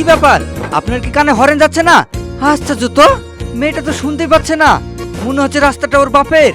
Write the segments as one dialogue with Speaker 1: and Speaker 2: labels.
Speaker 1: ব্যাপার, আপনার কি কানে হরেন যাচ্ছে না? আশ্চর্য তো, মেয়েটা তো শুনতেই পাচ্ছে না। মনে হচ্ছে রাস্তাটা ওর বাপের।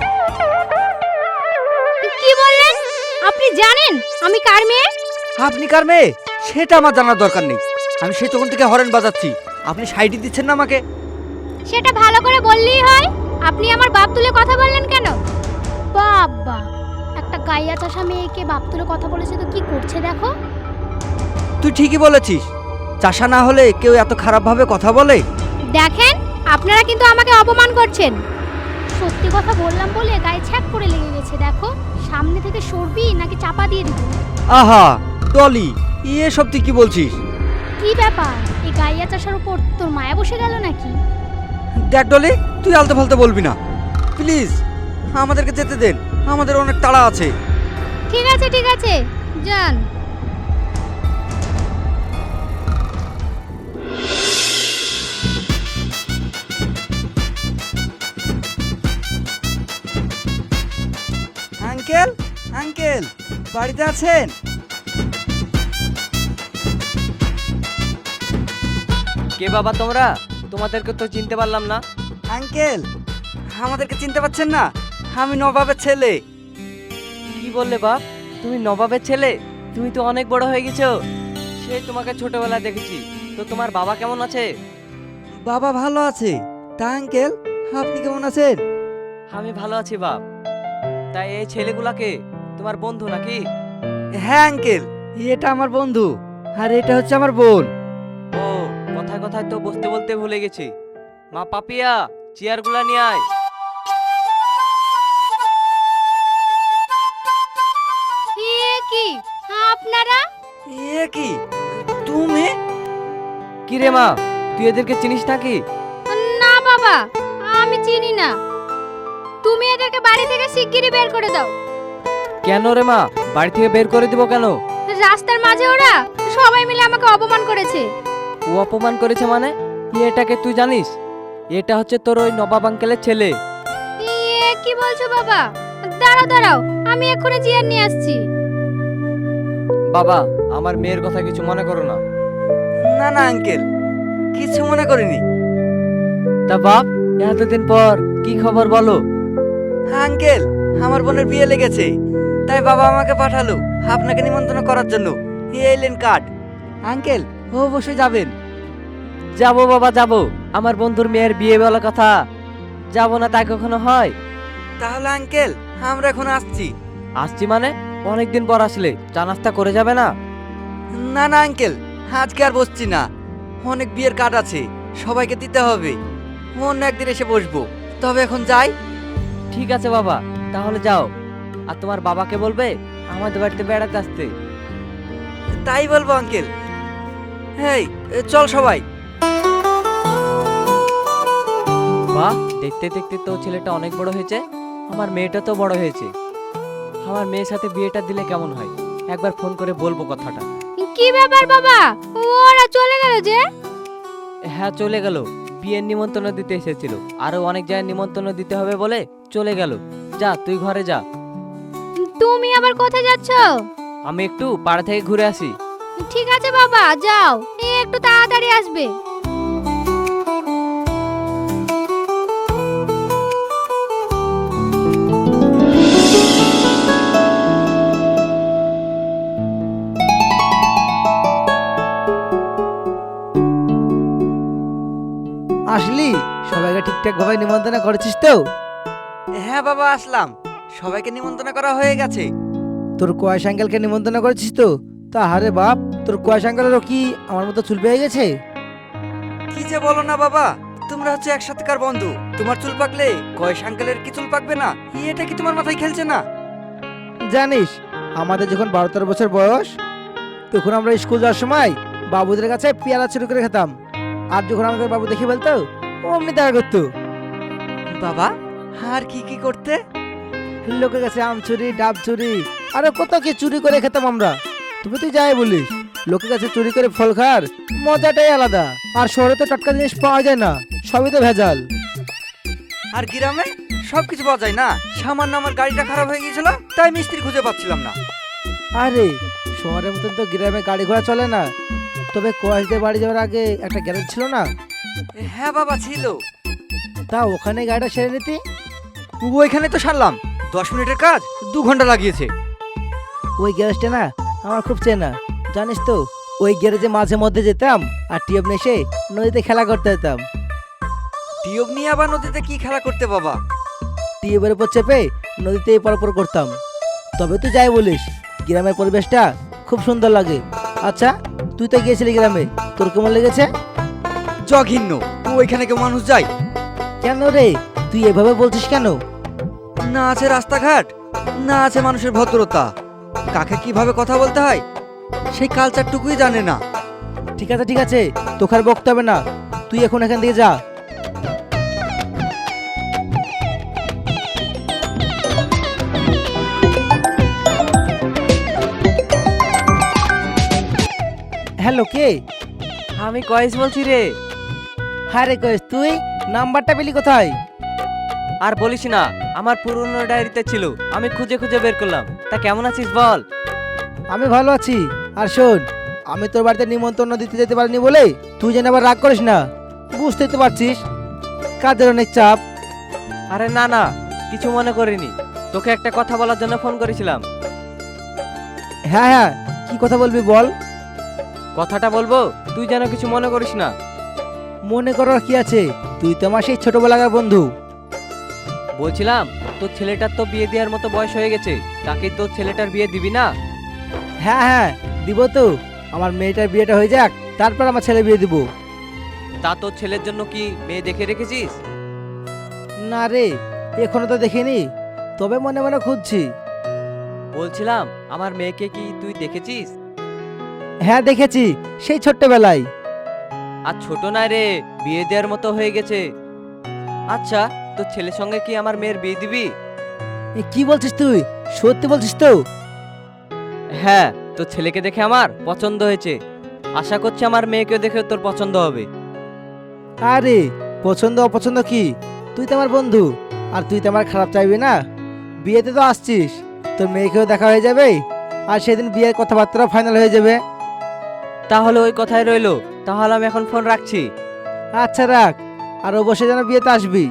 Speaker 2: কি বললেন? আপনি জানেন আমি কার মেয়ে?
Speaker 1: আপনি কার মেয়ে সেটা আমার জানার দরকার নেই। আমি সেই তখন থেকে হরেন বাজাচ্ছি, আপনি সাইডই দিচ্ছেন না আমাকে।
Speaker 2: সেটা ভালো করে বললেই হয়। আপনি আমার বাপ তুলে কথা বললেন কেন? বাবা, একটা গাইয়া চাষা মেয়েকে বাপ তুলে কথা বলেছে তো কি করছে দেখো।
Speaker 1: তুই ঠিকই বলেছিস, চাষা না হলে কেউ এত খারাপভাবে কথা বলে?
Speaker 2: দেখেন, আপনারা কিন্তু আমাকে অপমান করছেন। সত্যি কথা বললাম বলে গায়ে ছ্যাক করে লেগে গেছে দেখো। সামনে থেকে সরবি নাকি চাপা দিয়ে দিব?
Speaker 1: আহা টলি, এসব তুই কি বলছিস?
Speaker 2: কি ব্যাপার, এই গাইয়া চাষার উপর তোর মায়া বসে গেল নাকি?
Speaker 1: দেখ ডলি, তুই আলতো ফালতো বলবি না প্লিজ। আমাদেরকে যেতে দেন, আমাদের অনেক তাড়া আছে।
Speaker 2: ঠিক আছে ঠিক আছে, যান।
Speaker 1: আঙ্কেল, আঙ্কেল বাড়িতে আছেন?
Speaker 3: কে বাবা তোমরা? তোমাদেরকে তো চিনতে পারলাম না।
Speaker 1: আঙ্কেল, আমাদেরকে চিনতে পারছেন না? আমি নবাবের ছেলে।
Speaker 3: কি বললে বাপ? তুমি নবাবের ছেলে? তুমি তো অনেক বড় হয়ে গেছো। সেই তোমাকে ছোটবেলায় দেখেছি। তো তোমার বাবা কেমন আছে?
Speaker 1: বাবা ভালো আছে। তা আঙ্কেল, আপনি কেমন আছেন?
Speaker 3: আমি ভালো আছি বাপ। তাই এই ছেলেগুলাকে তোমার বন্ধু নাকি?
Speaker 1: হ্যাঁ আঙ্কেল, এটা আমার বন্ধু, আর এটা হচ্ছে আমার বোন।
Speaker 3: ও, কথায় কথায় তো বসতে বলতে ভুলে গেছি। মা পাপিয়া, চেয়ারগুলা নিয়ে আয়।
Speaker 2: এ কি আপনারা?
Speaker 1: এ কি তুমি?
Speaker 3: কি রে মা, তুই এদেরকে চিনিস নাকি?
Speaker 2: না বাবা, আমি চিনি না। তুমি এদেরকে বাড়ি থেকে শিগগিরই বের করে দাও।
Speaker 3: কেন রে মা, বাড়ি থেকে বের করে দিব কেন?
Speaker 2: রাস্তার মাঝে ওরা সবাই মিলে আমাকে অপমান করেছে।
Speaker 3: ও অপমান করেছে মানে? এটাকে তুই জানিস? এটা হচ্ছে তোর ওই নবাব আঙ্কেলের ছেলে।
Speaker 2: এ কি বলছো বাবা? দাঁড়াও দাঁড়াও, আমি এক্ষুনি চেয়ার নিয়ে আসছি।
Speaker 3: বাবা, আমার মেয়ের কথা কিছু মনে করো না।
Speaker 1: না না আঙ্কেল, কিছু মনে করিনি।
Speaker 3: তা বাপ, এতদিন পর কি খবর বলো?
Speaker 1: আঙ্কেল, আমার বোনের বিয়ে লেগেছে, তাই বাবা আমাকে পাঠালো আপনাকে নিমন্ত্রণ করার জন্য। এলেন কার্ড। আঙ্কেল, অবশ্যই যাবেন।
Speaker 3: যাবো বাবা যাবো, আমার বন্ধুর মেয়ের বিয়ে বলা কথা। যাবো না তাই কখনো হয়?
Speaker 1: তাহলে আঙ্কেল, আমরা এখন আসছি।
Speaker 3: আসছি মানে? অনেকদিন পর আসলে চা নাস্তা করে যাবে না?
Speaker 1: না না আঙ্কেল, আজকে আর বসছি না। অনেক বিয়ের কার্ড আছে, সবাইকে দিতে হবে। অন্য একদিন এসে বসবো। তবে এখন যাই।
Speaker 3: ঠিক আছে বাবা, তাহলে যাও। আর তোমার বাবাকে বলবে আমাদের বাড়িতে বেড়াতে আসতে।
Speaker 1: তাই বলবো আঙ্কেল। হেই, চল সবাই।
Speaker 3: বাহ, দেখতে দেখতে তো ছেলেটা অনেক বড় হয়েছে। আমার মেয়েটা তো বড় হয়েছে। আমার মেয়ের সাথে বিয়েটা দিলে কেমন হয়? একবার ফোন করে বলবো কথাটা।
Speaker 2: কি ব্যাপার বাবা, ওরা চলে গেল যে?
Speaker 3: হ্যাঁ চলে গেল, বিয়ের নিমন্ত্রণ দিতে এসেছিল। আরো অনেক জায়গায় নিমন্ত্রণ দিতে হবে বলে চলে গেল। যা তুই ঘরে যা।
Speaker 2: তুমি আবার কোথায় যাচ্ছ?
Speaker 3: আমি একটু পাড়া থেকে ঘুরে আসি।
Speaker 2: ঠিক আছে বাবা, যাও, একটু তাড়াতাড়ি আসবে।
Speaker 4: আসলি? সবাইকে ঠিকঠাক ভাবে নিমন্ত্রণ করেছিস তো?
Speaker 1: হ্যাঁ বাবা, আসলাম। সবাইকে নিমন্ত্রণ করা হয়ে গেছে।
Speaker 4: তোর কয়েস আঙ্কেলকে নিমন্ত্রণ করেছিস তো? তা হারে বাপ, তোর কয়েস আঙ্কেলেরও কি আমার মতো চুল পেয়ে গেছে?
Speaker 1: কি যে বলো না বাবা, তোমরা হচ্ছে একসাথেকার বন্ধু। তোমার চুল পাকলে কয়েস আঙ্কেলের কি চুল পাকবে না? এটা কি তোমার মাথায় খেলছে না?
Speaker 4: জানিস, আমাদের যখন 12-13 বছর বয়স, তখন আমরা স্কুল যাওয়ার সময় বাবুদের কাছে পেয়ারা চুরি করে খেতাম। আর যখন আমাদের বাবু দেখে বলতো, অমনি দেখা করতো।
Speaker 1: বাবা, আর কি কি করতে?
Speaker 4: লোকের কাছে আম চুরি, ডাব চুরি, আরো কত কি চুরি করে খেতাম আমরা। তুই যাই বলিস, লোকের কাছে চুরি করে ফল খাওয়ার মজাটাই আলাদা। আর শহরে তো টাটকা জিনিস পাওয়া যায় না, সবই তো ভেজাল।
Speaker 1: আর গ্রামে সবকিছু পাওয়া যায় না। সামান্য আমার গাড়িটা খারাপ হয়ে গিয়েছিল, তাই মিস্ত্রি খুঁজে পাচ্ছিলাম না।
Speaker 4: আরে শহরের মতন তো গ্রামে গাড়ি ঘোড়া চলে না, তবে কোয়াশদের বাড়ি যাওয়ার আগে একটা গ্যারেজ ছিল না?
Speaker 1: হ্যাঁ বাবা ছিল।
Speaker 4: তা ওখানে গাড়িটা সেরে নিতি।
Speaker 1: ওইখানে তো সারলাম, 10 মিনিটের কাজ 2 ঘন্টা লাগিয়েছে।
Speaker 4: ওই গ্যারেজটা না আমার খুব চেনা, জানিস তো। ওই গ্যারেজে মাঝে মধ্যে যেতাম আর টিউব নিয়ে এসে নদীতে খেলা করতে যেতাম।
Speaker 1: টিউব নিয়ে আবার নদীতে কি খেলা করতে বাবা?
Speaker 4: টিউবের উপর চেপে নদীতে এপার ওপর করতাম। তবে তুই যাই বলিস, গ্রামের পরিবেশটা খুব সুন্দর লাগে। আচ্ছা, তুই তো গিয়েছিলি গ্রামে, তোর কেমন লেগেছে?
Speaker 1: জঘন্য, ওইখানে কেউ মানুষ যায়?
Speaker 4: কেন রে, তুই এভাবে বলছিস কেন?
Speaker 1: না আছে রাস্তাঘাট, না আছে মানুষের ভদ্রতা, কাকে কিভাবে কথা বলতে হয় সেই কালচারটুকুই জানে না।
Speaker 4: ঠিক আছে ঠিক আছে, তোকে আর বকতে হবে না, তুই এখন এখান থেকে যা। হ্যালো, কে?
Speaker 3: আমি কয়েস বলছি রে।
Speaker 4: হ্যাঁ রে কয়েস, তুই নাম্বারটা পেলি কোথায়?
Speaker 3: আর বলিস না, আমার পুরনো ডায়েরিতে ছিল, আমি খুঁজে খুঁজে বের করলাম। তা কেমন আছিস বল?
Speaker 4: আমি ভালো আছি। আর শোন, আমি তোর বাড়িতে নিমন্ত্রণ দিতে যেতে পারিনি বলে তুই যেন আবার রাগ করিস না। বুঝতেই তো পারছিস কাজের অনেক চাপ।
Speaker 3: আরে না না, কিছু মনে করিনি। তোকে একটা কথা বলার জন্য ফোন করেছিলাম।
Speaker 4: হ্যাঁ হ্যাঁ, কি কথা বলবি বল।
Speaker 3: কথাটা বলবো, তুই যেন কিছু মনে করিস না।
Speaker 4: মনে করার কি আছে, তুই তো আমার সেই ছোটবেলাকার বন্ধু।
Speaker 3: বলছিলাম, তোর ছেলেটার তো বিয়ে দেওয়ার মতো বয়স হয়ে গেছে, তাকে তোর ছেলেটার বিয়ে দিবি না?
Speaker 4: হ্যাঁ হ্যাঁ, দিব তো। আমার মেয়েটার বিয়েটা হয়ে যাক, তারপর আমার ছেলে বিয়ে দিব।
Speaker 3: তা তোর ছেলের জন্য কি মেয়ে দেখে রেখেছিস?
Speaker 4: না রে, এখনো তো দেখিনি, তবে মনে মনে খুঁজছি।
Speaker 3: বলছিলাম, আমার মেয়েকে কি তুই দেখেছিস?
Speaker 4: হ্যাঁ দেখেছি, সেই ছোট্টবেলায়।
Speaker 3: আর ছোট নয় রে, বিয়ে দেওয়ার মতো হয়ে গেছে। আচ্ছা, তোর ছেলের সঙ্গে কি আমার মেয়ের বিয়ে দিবি?
Speaker 4: এ, কি বলছিস তুই? সত্যি বলছিস তো?
Speaker 3: হ্যাঁ, তোর ছেলেকে দেখে আমার পছন্দ হয়েছে। আশা করছি আমার মেয়েকে দেখে তোর পছন্দ হবে।
Speaker 4: আরে পছন্দ অপছন্দ কি, তুই তো আমার বন্ধু, আর তুই তো আমার খারাপ চাইবি না। বিয়েতে তো আসছিস, তোর মেয়েকেও দেখা হয়ে যাবে, আর সেদিন বিয়ের কথাবার্তা ফাইনাল হয়ে যাবে।
Speaker 3: তাহলে ওই কথাই রইলো। তাহলে আমি এখন ফোন রাখছি।
Speaker 4: আচ্ছা রাখ, আর অবশ্যই যেন বিয়েতে আসবি।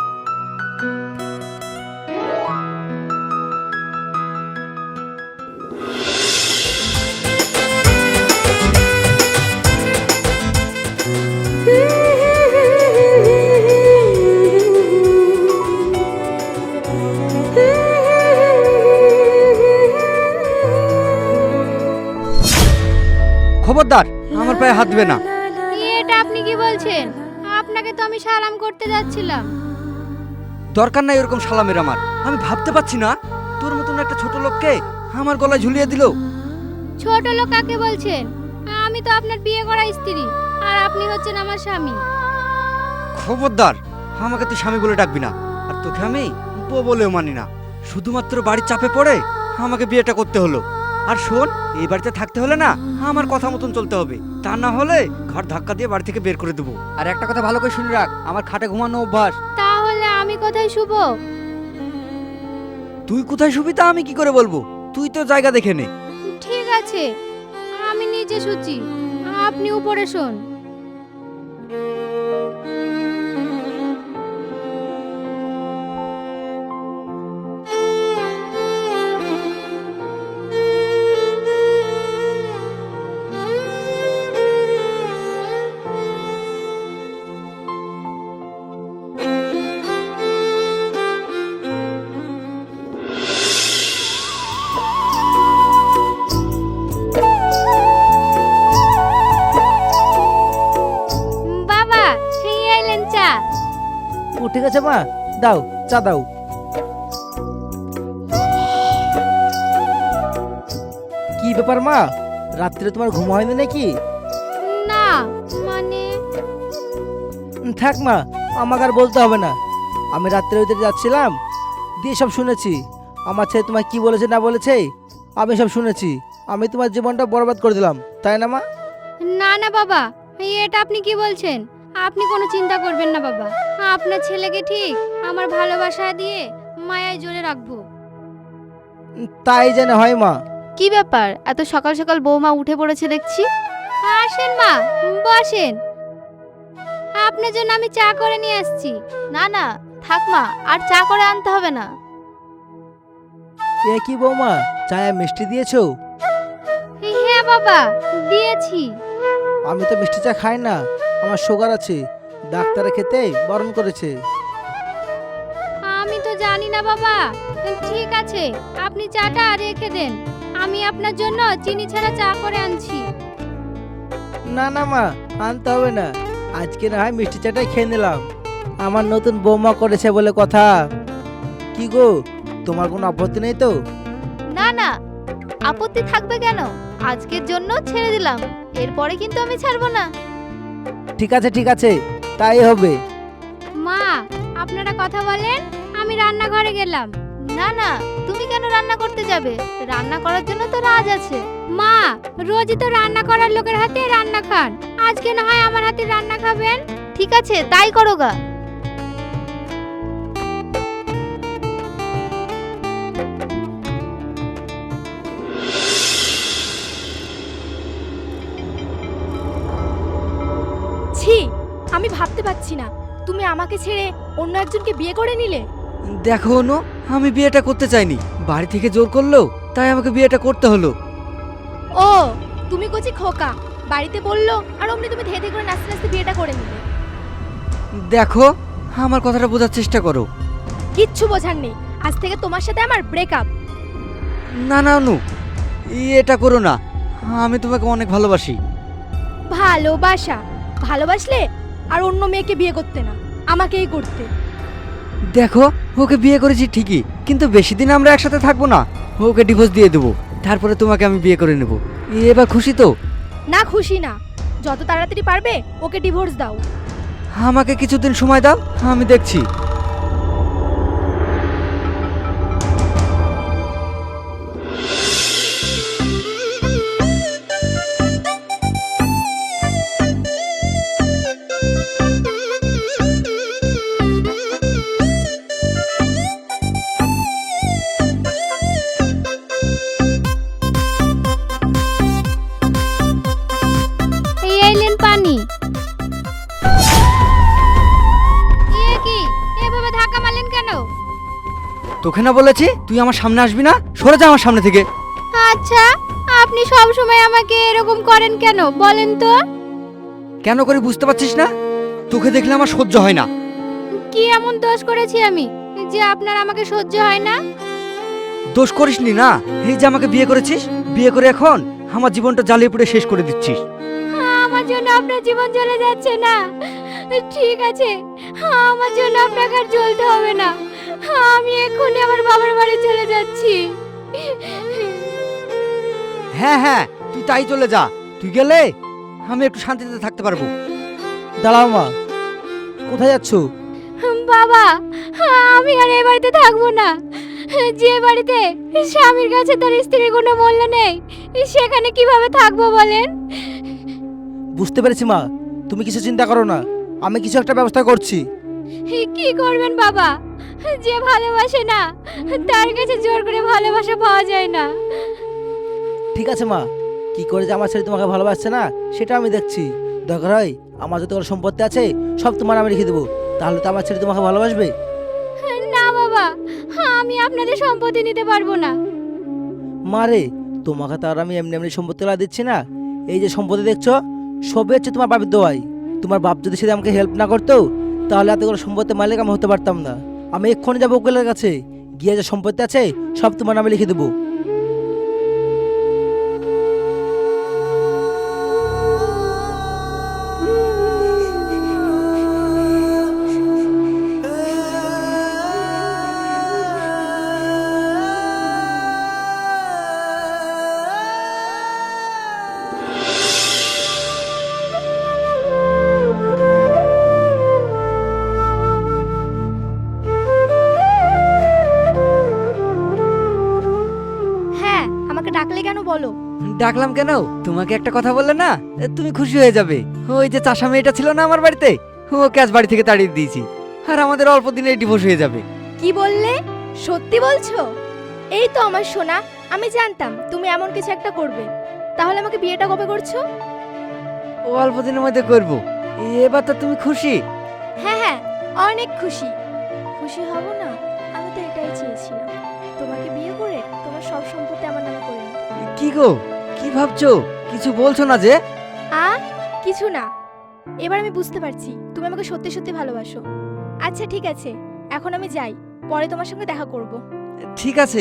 Speaker 1: খবরদার, আমার পায়ে হাত দিবে না।
Speaker 2: এটা আপনি কি বলছেন? আপনাকে তো আমি সালাম করতে যাচ্ছিলাম।
Speaker 1: দরকার নাই এরকম সালামের আমার। আমি ভাবতে পারছি না তোর মতন একটা ছোট লোককে আমার গলায় ঝুলিয়ে দিল।
Speaker 2: ছোট লোক কাকে বলছেন? আমি তো আপনার বিয়ে করা স্ত্রী, আর আপনি হচ্ছেন আমার স্বামী।
Speaker 1: খবরদার, আমাকে তুই স্বামী বলে ডাকবি না, আর তোকে আমি বউ বলেও মানি না। শুধুমাত্র বাড়ির চাপে পড়ে আমাকে বিয়েটা করতে হলো। আর শোন, এই বাড়িতে থাকতে হলে না আমার কথা মতন চলতে হবে, তা না হলে ঘর ধাক্কা দিয়ে বাড়ি থেকে বের করে দেবো। আর একটা কথা ভালো করে শুনে রাখ, আমার খাটে ঘুমানো অভ্যাস।
Speaker 2: তাহলে আমি কোথায় শুব?
Speaker 1: তুই কোথায় শুবি তা আমি কি করে বলবো? তুই তো জায়গা দেখে নে।
Speaker 2: ঠিক আছে, আমি নিচে শুচ্ছি, আপনি উপরে শোন। বাবা, এই আইলেন চা।
Speaker 4: ও ঠিক আছে মা, দাও চা দাও। কি ব্যাপার মা, রাত্রে তোমার ঘুম হয়নি নাকি?
Speaker 2: না মানে
Speaker 4: থাক মা, আমাকে আর বলতে হবে না। আমি রাত্রে ওইদিকে যাচ্ছিলাম, দিয়ে সব শুনেছি। আমার ছেলে তোমায় কি বলেছে না বলেছে আমি সব শুনেছি। আমি তোমার জীবনটা বরবাদ করে দিলাম, তাই না মা?
Speaker 2: না না বাবা, এটা আপনি কি বলছেন? আপনি কোনো চিন্তা করবেন না বাবা, আপনার ছেলেকে ঠিক আমার ভালোবাসা দিয়ে মায়ায় জোরে রাখবো।
Speaker 4: তাই যেন হয় মা।
Speaker 5: কি ব্যাপার, এত সকাল সকাল বৌমা উঠে পড়েছে দেখছি।
Speaker 2: আসেন মা, বসেন। আপনার জন্য আমি চা করে নিয়ে আসছি।
Speaker 5: না না, থাক মা, আর চা করে আনতে হবে না।
Speaker 4: এ কি বৌমা, চায়ে মিষ্টি দিয়েছো?
Speaker 2: হ্যাঁ বাবা, দিয়েছি।
Speaker 4: আমি তো মিষ্টি চা খাই না, আমার সুগার আছে, ডাক্তারে খেতে বারণ করেছে।
Speaker 2: আমি তো জানি না বাবা। ঠিক আছে, আপনি চাটা রেখে দেন, আমি আপনার জন্য চিনি ছাড়া চা করে আনছি।
Speaker 4: না না মা, আনতে হবে না, আজকে না হয় মিষ্টি চাটাই খেয়ে নিলাম। আমার নতুন বৌমা করেছে বলে কথা। কি গো, তোমার কোনো আপত্তি নেই তো?
Speaker 5: না না, আপত্তি থাকবে কেন? আজকের জন্য ছেড়ে দিলাম, এরপরে কিন্তু আমি ছাড়বো না।
Speaker 4: ঠিক আছে ঠিক আছে, তাই হবে।
Speaker 2: মা, আপনারা কথা বলেন, আমি রান্নাঘরে গেলাম।
Speaker 5: না না, তুমি কেন রান্না করতে যাবে? রান্না করার জন্য তো রাজ আছে।
Speaker 2: মা, রোজই তো রান্না করার লোকের হাতে রান্না খান, আজকে না হয় আমার হাতে রান্না খাবেন।
Speaker 5: ঠিক আছে, তাই করো গা।
Speaker 6: ছি, আমি ভাবতে পারছি না তুমি আমাকে ছেড়ে অন্য একজনকে বিয়ে করে নিলে।
Speaker 1: দেখো অনু, আমি বিয়েটা করতে চাইনি, বাড়ি থেকে জোর করলো, তাই আমাকে বিয়েটা করতে হলো।
Speaker 6: ও, তুমি কচি খোকা, বাড়িতে বললো আর অমনি তুমি ধেয়ে ধেয়ে করে নাচতে নাচতে বিয়েটা করে নিলে।
Speaker 1: দেখো, আমার কথাটা বোঝার চেষ্টা করো।
Speaker 6: কিচ্ছু বোঝার নেই, আজ থেকে তোমার সাথে আমার ব্রেকআপ।
Speaker 1: না না অনু, এটা করো না, আমি তোমাকে অনেক ভালোবাসি।
Speaker 6: ভালোবাসা? ভালোবাসলে আর অন্য মেয়েকে বিয়ে করতে না, আমাকেই করতে।
Speaker 1: দেখো, ওকে বিয়ে করেছি ঠিকই, কিন্তু বেশি দিন আমরা একসাথে থাকবো না, ওকে ডিভোর্স দিয়ে দেবো, তারপরে তোমাকে আমি বিয়ে করে নেব। এবার খুশি তো?
Speaker 6: না, খুশি না, যত তাড়াতাড়ি পারবে ওকে ডিভোর্স দাও।
Speaker 1: আমাকে কিছুদিন সময় দাও, আমি দেখছি।
Speaker 2: এই আইলেন পানি। এ কি, এভাবে ধাক্কা মারলেন কেন?
Speaker 1: তোকে না বলেছি তুই আমার সামনে আসবি না, সরে যা আমার সামনে থেকে।
Speaker 2: আচ্ছা, আপনি সব সময় আমাকে এরকম করেন কেন বলেন তো?
Speaker 1: কেন করে বুঝতে পারছিস না? তোকে দেখলে আমার সহ্য হয় না।
Speaker 2: কি এমন দোষ করেছি আমি যে আপনার আমাকে সহ্য হয় না?
Speaker 1: দোষ করিসনি না, এই যে আমাকে বিয়ে করেছিস, বিয়ে করে এখন আমার জীবনটা জ্বালিয়ে পুড়ে শেষ করে দিচ্ছিস।
Speaker 2: আমার জন্য আপনার জীবন চলে যাচ্ছে না। ঠিক আছে, আমার জন্য আপনাকে আর জ্বলতে হবে না, আমি এক্ষুনি আমার বাবার বাড়ি চলে যাচ্ছি।
Speaker 1: হ্যাঁ হ্যাঁ, তুই তাই চলে যা, তুই গেলে আমি একটু শান্তিতে থাকতে পারবো।
Speaker 4: দাঁড়াও মা, কোথায় যাচ্ছ?
Speaker 2: বাবা, আমি আর এই বাড়িতে থাকবো না। যে বাড়িতে স্বামীর কাছে তার স্ত্রীর কোনো মূল্য নেই, সেখানে কিভাবে থাকবো বলেন?
Speaker 4: বুঝতে পেরেছি মা, তুমি কিছু চিন্তা করো না, আমি কিছু একটা ব্যবস্থা করছি।
Speaker 2: কি করবেন বাবা? যে ভালোবাসে না তার কাছে জোর করে ভালোবাসা পাওয়া যায় না।
Speaker 4: ঠিক আছে মা, কি করে যে আমার ছেলে তোমাকে ভালোবাসছে না সেটা আমি দেখছি। দরকার হয় আমার যত কোনো সম্পত্তি আছে সব তোমার আমি রেখে দেবো, তাহলে তো আমার ছেলে তোমাকে ভালোবাসবে।
Speaker 2: না বাবা, আমি আপনাদের সম্পত্তি নিতে পারবো না।
Speaker 4: মারে, তোমাকে তো আর আমি এমনি এমনি সম্পত্তি দিচ্ছি না, এই যে সম্পত্তি দেখছো সবই হচ্ছে তোমার বাপের দোয়াই। তোমার বাপ যদি সেটা আমাকে হেল্প না করতো তাহলে এতগুলো সম্পত্তির মালিক আমি হতে পারতাম না। আমি এক্ষুনি যাবো উকিলের কাছে, গিয়ে যে সম্পত্তি আছে সব তোমার নামে লিখে দেবো।
Speaker 6: হ্যাঁ, আমাকে ডাকলে কেন বলো?
Speaker 1: ডাকলাম কেন, তোমাকে একটা কথা বললে না তুমি খুশি হয়ে যাবে। ওই যে চাষা মেয়েটা ছিল না আমার বাড়িতে, ওকে আজ বাড়ি থেকে তাড়িয়ে দিয়েছি, আর আমাদের অল্প দিনে ডিভোর্স হয়ে যাবে।
Speaker 6: কি বললে? সত্যি বলছো? এই তো আমার সোনা, আমি জানতাম তুমি এমন কিছু একটা করবে। তাহলে আমাকে বিয়েটা কবে করছো?
Speaker 1: অল্প দিনের মধ্যে করব। এবার তো তুমি খুশি?
Speaker 6: হ্যাঁ হ্যাঁ, অনেক খুশি। খুশি হব না? আমি তো এটাই চেয়েছিলাম, তোমাকে বিয়ে করে তোমার সব সম্পত্তি আমার নামে করে নিতে।
Speaker 1: কি গো, কি ভাবছো? কিছু বলছো না যে?
Speaker 6: কিছু না। এবার আমি বুঝতে পারছি তুমি আমাকে সত্যি সত্যি ভালোবাসো। আচ্ছা ঠিক আছে, এখন আমি যাই, পরে তোমার সঙ্গে দেখা করব।
Speaker 1: ঠিক আছে।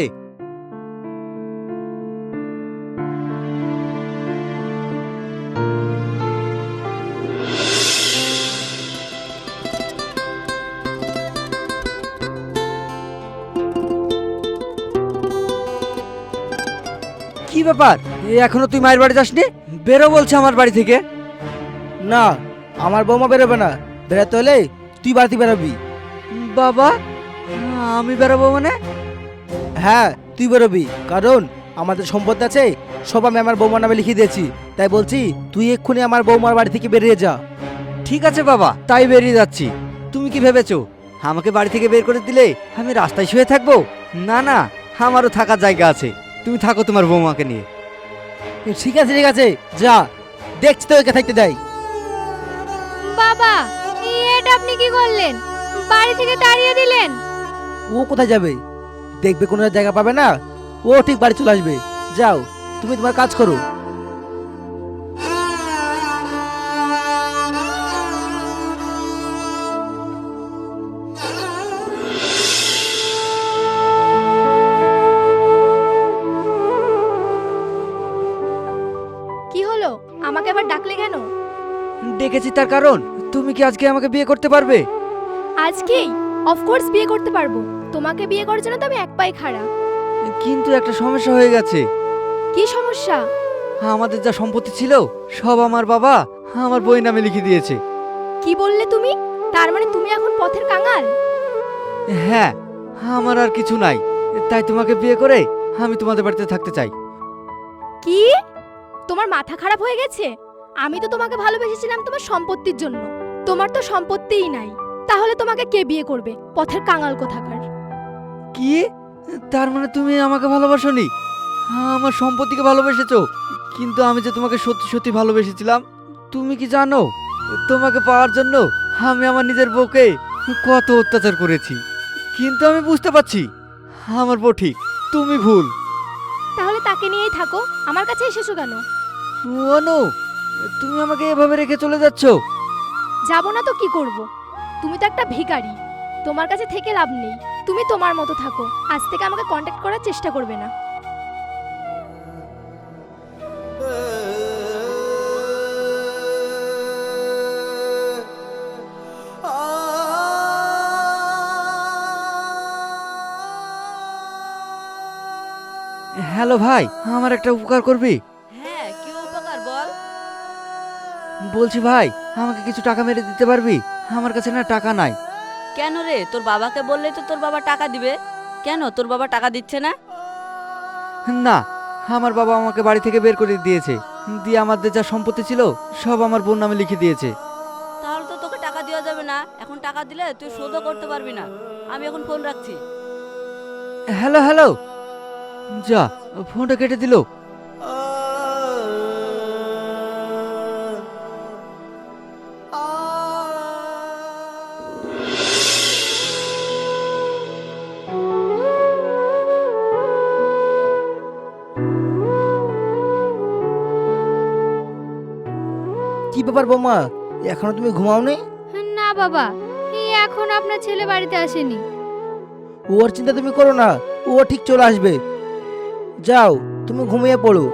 Speaker 1: কি ব্যাপার, এখনো তুই মায়ের বাড়ি যাসনি? বেরো বলছে আমার বাড়ি থেকে।
Speaker 4: না, আমার বৌমা বেরোবে না। বেরোতে হলে তুই বাড়িতে বেরোবি।
Speaker 1: বাবা, আমি বেরোবো মানে?
Speaker 4: হ্যাঁ, তুই বেরোবি, কারণ আমাদের সম্পত্তি আছে সব আমি আমার বৌমার নামে লিখে দিয়েছি। তাই বলছি তুই এক্ষুনি আমার বৌমার বাড়ি থেকে বেরিয়ে যা।
Speaker 1: ঠিক আছে বাবা, তাই বেরিয়ে যাচ্ছি। তুমি কি ভেবেছো আমাকে বাড়ি থেকে বের করে দিলে আমি রাস্তায় শুয়ে থাকবো? না না, আমারও থাকার জায়গা আছে। তুমি থাকো তোমার বৌমাকে নিয়ে।
Speaker 4: ঠিক আছে ঠিক আছে, যা, দেখছি তো একে থাকতে দেয়।
Speaker 2: বাবা, এটা আপনি কি করলেন? বাড়ি থেকে তাড়িয়ে দিলেন।
Speaker 4: ও কোথায় যাবে? দেখবে কোনো জায়গা পাবে না, ও ঠিক বাড়ি চলে আসবে। যাও, তুমি তোমার কাজ করো।
Speaker 6: কি হলো, আমাকে আবার ডাকলে কেন?
Speaker 1: ডেকেছি তার কারণ তুমি কি আজকে আমাকে বিয়ে করতে পারবে?
Speaker 6: আজকেই? অফকোর্স বিয়ে করতে পারবো। তোমাকে বিয়ে করার জন্য তো আমি এক পায়ে খাড়া।
Speaker 1: কিন্তু একটা সমস্যা হয়ে গেছে।
Speaker 6: কি সমস্যা?
Speaker 1: আমাদের যা সম্পত্তি ছিল সব আমার বাবা আমার বই নামে লিখে দিয়েছে।
Speaker 6: কি বললে তুমি? তার মানে তুমি এখন পথের কাঙাল?
Speaker 1: হ্যাঁ, আমার আর কিছু নাই, তাই তোমাকে বিয়ে করে আমি তোমাদের বাড়িতে থাকতে চাই।
Speaker 6: কি? তোমার মাথা খারাপ হয়ে গেছে? আমি তো তোমাকে ভালোবেসেছিলাম তোমার সম্পত্তির জন্য। তোমার তো সম্পত্তিই নাই, তাহলে তোমাকে কে বিয়ে করবে? পথের কাঙাল কোথাকার।
Speaker 1: কি? তার মানে তুমি আমাকে ভালোবাসোনি, আমার সম্পত্তিকে ভালোবেসেছো? কিন্তু আমি যে তোমাকে সত্যি সত্যি ভালোবেসেছিলাম। তুমি কি জানো তোমাকে পাওয়ার জন্য আমি আমার নিজের বউকে কত অত্যাচার করেছি। কিন্তু আমি বুঝতে পারছি আমার বউ ঠিক, তুমি ভুল।
Speaker 6: তাহলে তাকে নিয়েই থাকো, আমার কাছে এসেছো কেন?
Speaker 1: অনু, তুমি আমাকে এভাবে রেখে চলে যাচ্ছ?
Speaker 6: যাবো না তো কি করব? তুমি তো একটা ভিখারি, তোমার কাছে থেকে লাভ নেই। তুমি তোমার মতো থাকো, আজ থেকে আমাকে কন্ট্যাক্ট করার চেষ্টা করবে না।
Speaker 1: হ্যালো ভাই, আমার একটা উপকার করবি?
Speaker 7: হ্যাঁ, কি উপকার বল?
Speaker 1: বলছি ভাই, আমাকে কিছু টাকা মেরে দিতে পারবি? আমার কাছে না টাকা নাই।
Speaker 7: কেন রে, তোর বাবাকে বললেই তো তোর বাবা টাকা দিবে। কেন তোর বাবা টাকা দিচ্ছে না?
Speaker 1: না, আমার বাবা আমাকে বাড়ি থেকে বের করে দিয়েছে, দিয়ে আমাদের যা সম্পত্তি ছিল সব আমার বোন নামে লিখে দিয়েছে।
Speaker 7: তাহলে তো তোকে টাকা দেওয়া যাবে না। এখন টাকা দিলে তুই শোধও করতে পারবি না। আমি এখন ফোন রাখছি।
Speaker 1: হ্যালো হ্যালো, যা, ফোনটা কেটে দিল।
Speaker 4: কি ব্যাপার বৌমা, এখনো তুমি ঘুমাওনি?
Speaker 2: না বাবা, এখন আপনার ছেলে বাড়িতে আসেনি।
Speaker 4: ওর চিন্তা তুমি করো না, ও ঠিক চলে আসবে। যাও, তুমি ঘুমিয়ে পড়ো।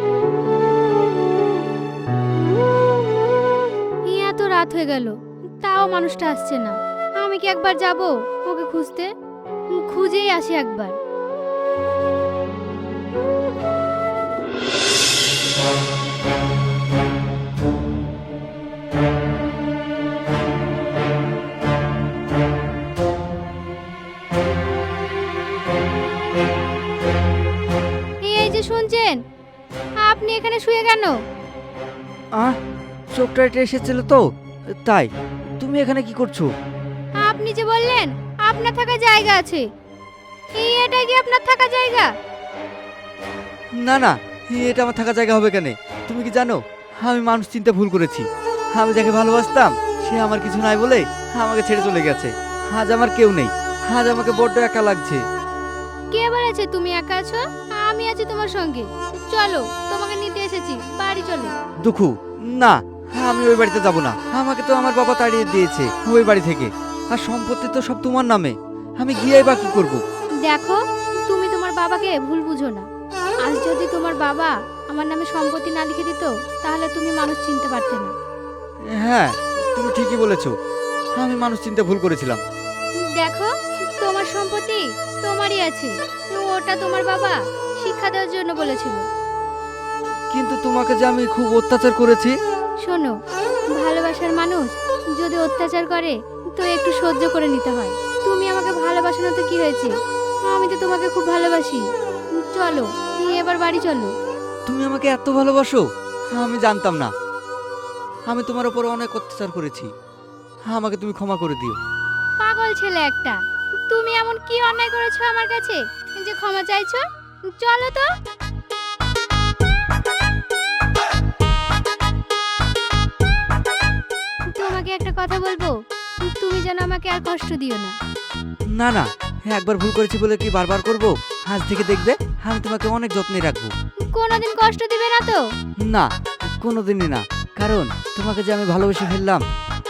Speaker 2: এত রাত হয়ে গেল, তাও মানুষটা আসছে না। আমি কি একবার যাব ওকে খুঁজতে? খুঁজেই আসি একবার। এই যে শুনছেন, আপনি এখানে শুয়ে কেন?
Speaker 1: চোখটা এটা এসেছিল তো, তাই। তুমি এখানে কি করছো?
Speaker 2: আপনি যে বললেন আপনার থাকার জায়গা আছে, এটা কি আপনার থাকার জায়গা?
Speaker 1: না না, এটা আমার থাকার জায়গা হবে কেন? তুমি কি জানো আমি মানুষ চিনতে ভুল করেছি। আমি যাকে ভালোবাসতাম সে আমার কিছু নাই বলে আমাকে ছেড়ে চলে গেছে। আজ আমার কেউ নেই, আজ আমাকে বড্ড একা লাগছে।
Speaker 2: কে বলেছে তুমি একা আছো? আমি আছি তোমার সঙ্গে। চলো, তোমাকে নিতে এসেছি, বাড়ি চলো।
Speaker 1: দুঃখু, না, আমি ওই বাড়িতে যাব না। আমাকে তো আমার বাবা তাড়িয়ে দিয়েছে ওই বাড়ি থেকে, আর সম্পত্তি তো সব তোমার নামে। আমি গিয়ে বা কি করবো?
Speaker 2: দেখো, তুমি তোমার বাবাকে ভুল বুঝো না। আজ যদি তোমার বাবা আমার নামে সম্পত্তি না লিখে দিত, তাহলে তুমি মানুষ চিনতে পারতে না।
Speaker 1: হ্যাঁ, তুমি ঠিকই বলেছো, আমি মানুষ চিনতে ভুল করেছিলাম।
Speaker 2: দেখো, তোমার সম্পত্তি তোমারই আছে, ওটা তোমার বাবা শিক্ষা দেওয়ার জন্য বলেছিল।
Speaker 1: কিন্তু তোমাকে যে আমি খুব অত্যাচার করেছি।
Speaker 2: শোনো, ভালোবাসার মানুষ যদি অত্যাচার করে তো একটু সহ্য করে নিতে হয়। তুমি আমাকে ভালোবাসো না তো কি হয়েছে? আমি তো তোমাকে খুব ভালোবাসি। চলো, এবার বাড়ি চলো।
Speaker 1: তুমি আমাকে এত ভালোবাসো? আমি জানতাম না। আমি তোমার উপর অনেক অত্যাচার করেছি, আমাকে তুমি ক্ষমা করে দিও।
Speaker 2: পাগল ছেলে একটা, তুমি এমন কি অন্যায় করেছো আমার কাছে যে ক্ষমা চাইছো? চলো তো। তোমাকে একটা কথা বলবো, তুমি যেন আমাকে আর কষ্ট দিও না।
Speaker 1: না না, একবার ভুল করেছি বলে কি বারবার করব? আজ থেকে দেখবে আমি তোমাকে অনেক যত্নে রাখবো।
Speaker 2: কোনোদিন কষ্ট দিবে না তো?
Speaker 1: না, কোনোদিনই না, কারণ তোমাকে যে আমি ভালোবেসে ফেললাম।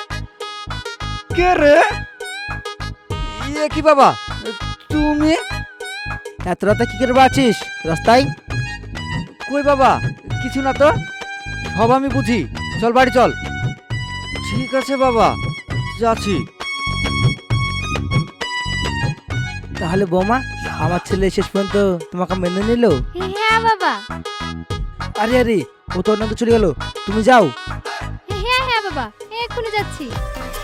Speaker 1: কে রে? ইয়ে কি বাবা, তুমি
Speaker 4: এত রাতে কি করে বাঁচিস রাস্তায়?
Speaker 1: কই বাবা? কিছু না তো, সব আমি বুঝি। চল বাড়ি চল। ঠিক আছে বাবা, যাচ্ছি।
Speaker 4: তাহলে বৌমা, আমার ছেলে শেষ পর্যন্ত তোমাকে মেনে নিল?
Speaker 2: হ্যাঁ বাবা।
Speaker 4: আরে আরে, ও তো অন্য চলে গেল, তুমি যাও।
Speaker 2: হ্যাঁ হ্যাঁ বাবা, এক্ষুনি যাচ্ছি।